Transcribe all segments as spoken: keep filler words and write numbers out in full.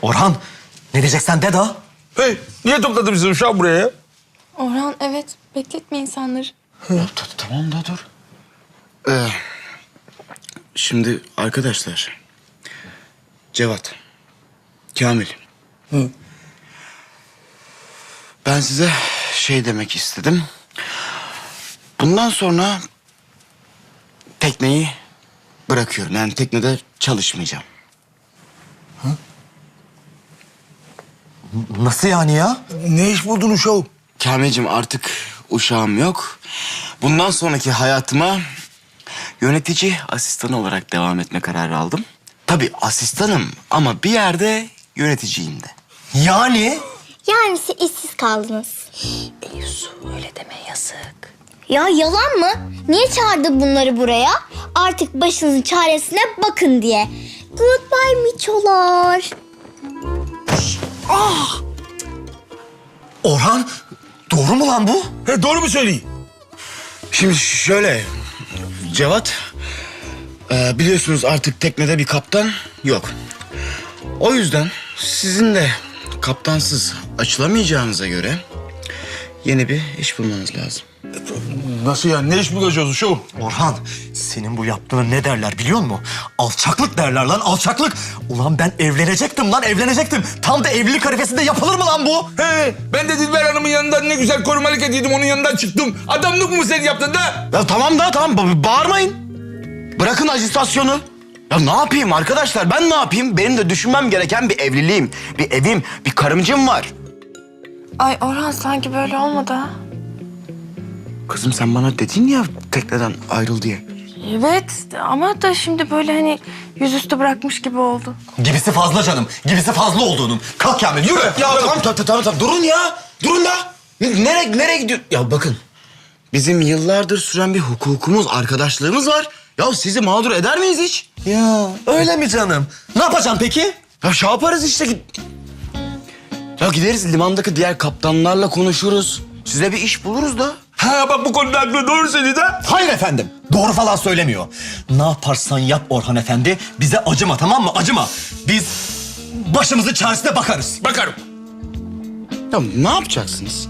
Orhan, ne diyeceksen de daha. Hey, niye topladın bizi uşağım buraya ya? Orhan evet bekletme insanları. Tamam da dur. Ee, şimdi arkadaşlar. Cevat. Kamil. Hı. Ben size şey demek istedim. Bundan sonra tekneyi bırakıyorum. Yani teknede çalışmayacağım. Nasıl yani ya? Ne iş buldun uşağım? Kamil'cim artık uşağım yok. Bundan sonraki hayatıma yönetici asistanı olarak devam etme kararı aldım. Tabii asistanım ama bir yerde yöneticiyim de. Yani? Yani siz işsiz kaldınız. Yusuf öyle deme yazık. Ya yalan mı? Niye çağırdı bunları buraya? Artık başınızın çaresine bakın diye. Goodbye miçolar. Orhan, doğru mu lan bu? He, doğru mu söyleyeyim? Şimdi şöyle, Cevat, e, biliyorsunuz artık teknede bir kaptan yok. O yüzden sizin de kaptansız açılamayacağınıza göre yeni bir iş bulmanız lazım. Nasıl yani? Ne iş bulacağız uşağım? Orhan, senin bu yaptığına ne derler biliyor musun? Alçaklık derler lan, alçaklık. Ulan ben evlenecektim lan, evlenecektim. Tam da evlilik arifesinde yapılır mı lan bu? He, ben de Dilber Hanım'ın yanından ne güzel korumalık ediyordum, onun yanından çıktım. Adamlık mı sen yaptın da? Ya tamam da tamam, ba- bağırmayın. Bırakın ajitasyonu. Ya ne yapayım arkadaşlar, ben ne yapayım? Benim de düşünmem gereken bir evliliğim, bir evim, bir karımcım var. Ay Orhan sanki böyle olmadı ha. Kızım sen bana dedin ya tekneden ayrıl diye. Evet ama da şimdi böyle hani yüzüstü bırakmış gibi oldu. Gibisi fazla canım, gibisi fazla olduğunun. Kalk Kamil, yürü. Ya tamam tamam tamam, tamam. Durun ya. Durun da. Nereye nereye gidiyor? Ya bakın. Bizim yıllardır süren bir hukukumuz, arkadaşlığımız var. Ya sizi mağdur eder miyiz hiç? Ya öyle mi canım? Ne yapacaksın peki? Ya şey yaparız işte. Ya gideriz limandaki diğer kaptanlarla konuşuruz. Size bir iş buluruz da. Ha bak bu konuda haklı, doğru söyledi ha. Hayır efendim. Doğru falan söylemiyor. Ne yaparsan yap Orhan Efendi. Bize acıma, tamam mı? Acıma. Biz başımızın çaresine bakarız. Bakarım. Ya ne yapacaksınız?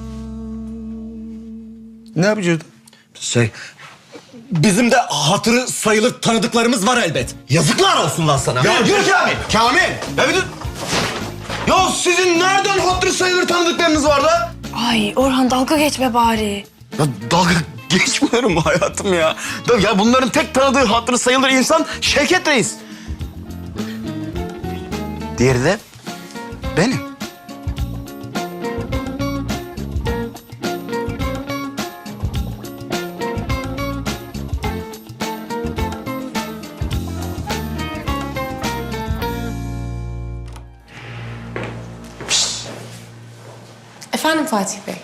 Ne yapacağız? Şey, bizim de hatırı sayılır tanıdıklarımız var elbet. Yazıklar olsun lan sana. Ya yürü Kamil. Kamil. Ya bir dur. Ya sizin nereden hatırı sayılır tanıdıklarınız var da? Ay Orhan dalga geçme bari. Ya dalga geçmiyorum hayatım ya. Ya bunların tek tanıdığı hatırı sayılır insan Şevket Reis. Diğeri de benim. Efendim Fatih Bey.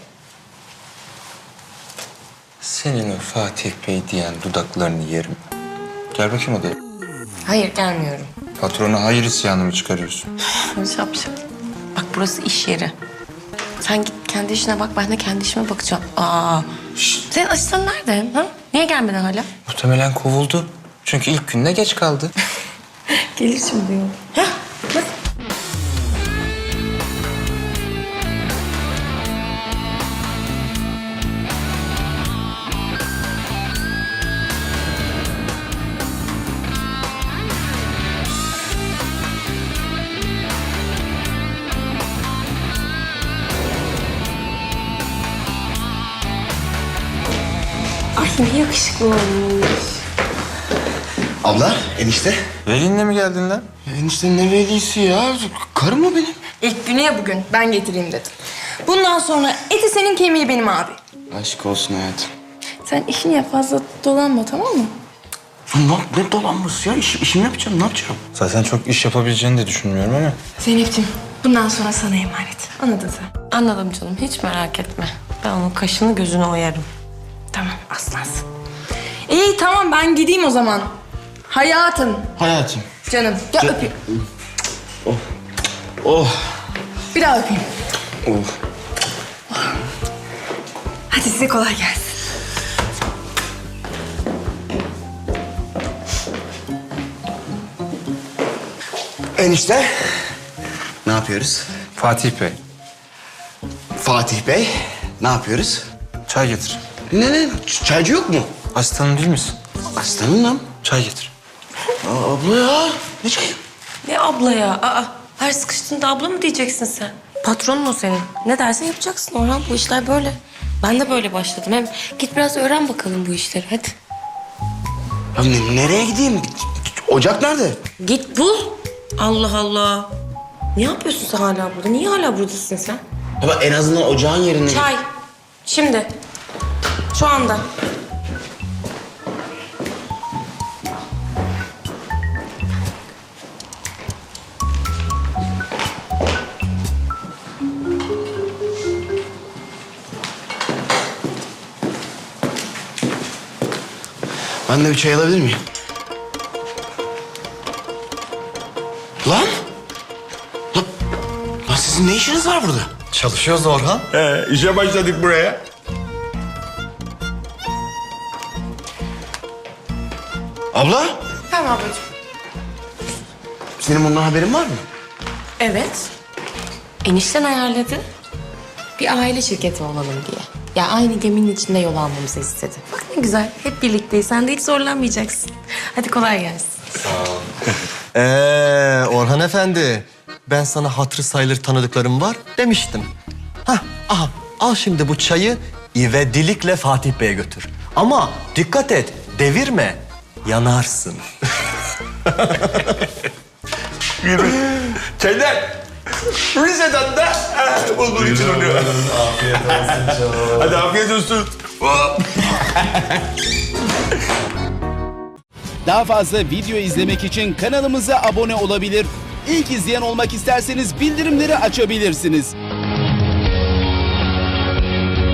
Senin o Fatih Bey diyen dudaklarını yerim. Gel bakayım odaya. Hayır gelmiyorum. Patrona hayır isyanı mı çıkarıyorsun? Şapşal. Bak burası iş yeri. Sen git kendi işine bak, ben de kendi işime bakacağım. Aa. Şşt. Senin asistanın nerede? Ha? Niye gelmeden hala? Muhtemelen kovuldu. Çünkü ilk günde geç kaldı. Gelir şimdi. Hah. Bak. Ay ne yakışıklı olmuş. Abla, enişte. Velinle mi geldin lan? Enişte ne velisi ya? Karım mı benim? İlk günü ya bugün. Ben getireyim dedim. Bundan sonra eti senin, kemiği benim abi. Aşk olsun hayatım. Sen işini yap, fazla dolanma, tamam mı? Ya ne, ne dolanması ya? İş, işimi yapacağım, ne yapacağım? Zaten çok iş yapabileceğini de düşünmüyorum ama. Zeynep'ciğim bundan sonra sana emanet. Anladın sen. Anladım canım hiç merak etme. Ben onun kaşını gözünü oyarım. Tamam aslansın. İyi tamam ben gideyim o zaman. Hayatım. Hayatım. Canım. Gel öpeyim. Oh. Bir daha öpeyim. Oh. Hadi size kolay gelsin. Enişte. Ne yapıyoruz? Fatih Bey, Fatih Bey, ne yapıyoruz? çay getir. Ne ne? Ç- Çaycı yok mu? Asistanım değil misin? Aslanım. Çay getir. Aa, abla ya. Ne çayı? Ne abla ya? Aa, her sıkıştığında abla mı diyeceksin sen? Patronun o senin. Ne dersen yapacaksın Orhan. Bu işler böyle. Ben de böyle başladım. Hem git biraz öğren bakalım bu işleri. Hadi. Ya ne- nereye gideyim? Ocak nerede? Git bul. Allah Allah. Ne yapıyorsun sen hala burada? Niye hala buradasın sen? Baba en azından ocağın yerine... Çay. Şimdi. Şu anda. Ben de bir çay alabilir miyim? Lan? Lan, lan sizin ne işiniz var burada? Çalışıyoruz Orhan. He, işe başladık buraya. Abla, Tamam ablacığım. senin bundan haberin var mı? Evet. Enişten ayarladı. Bir aile şirketi olalım diye. Ya aynı geminin içinde yol almamızı istedi. Bak ne güzel. Hep birlikteyiz. Sen de hiç zorlanmayacaksın. Hadi kolay gelsin. Ee, Orhan Efendi, ben sana hatırı sayılır tanıdıklarım var demiştim. Hah, aha, al şimdi bu çayı ivedilikle Fatih Bey'e götür. Ama dikkat et, devirme, yanarsın. Çaylar. Rize'den de he, bulgur için oluyor. Afiyet olsun canım. Hadi afiyet olsun. Hop. Daha fazla video izlemek için kanalımıza abone olabilir. İlk izleyen olmak isterseniz bildirimleri açabilirsiniz.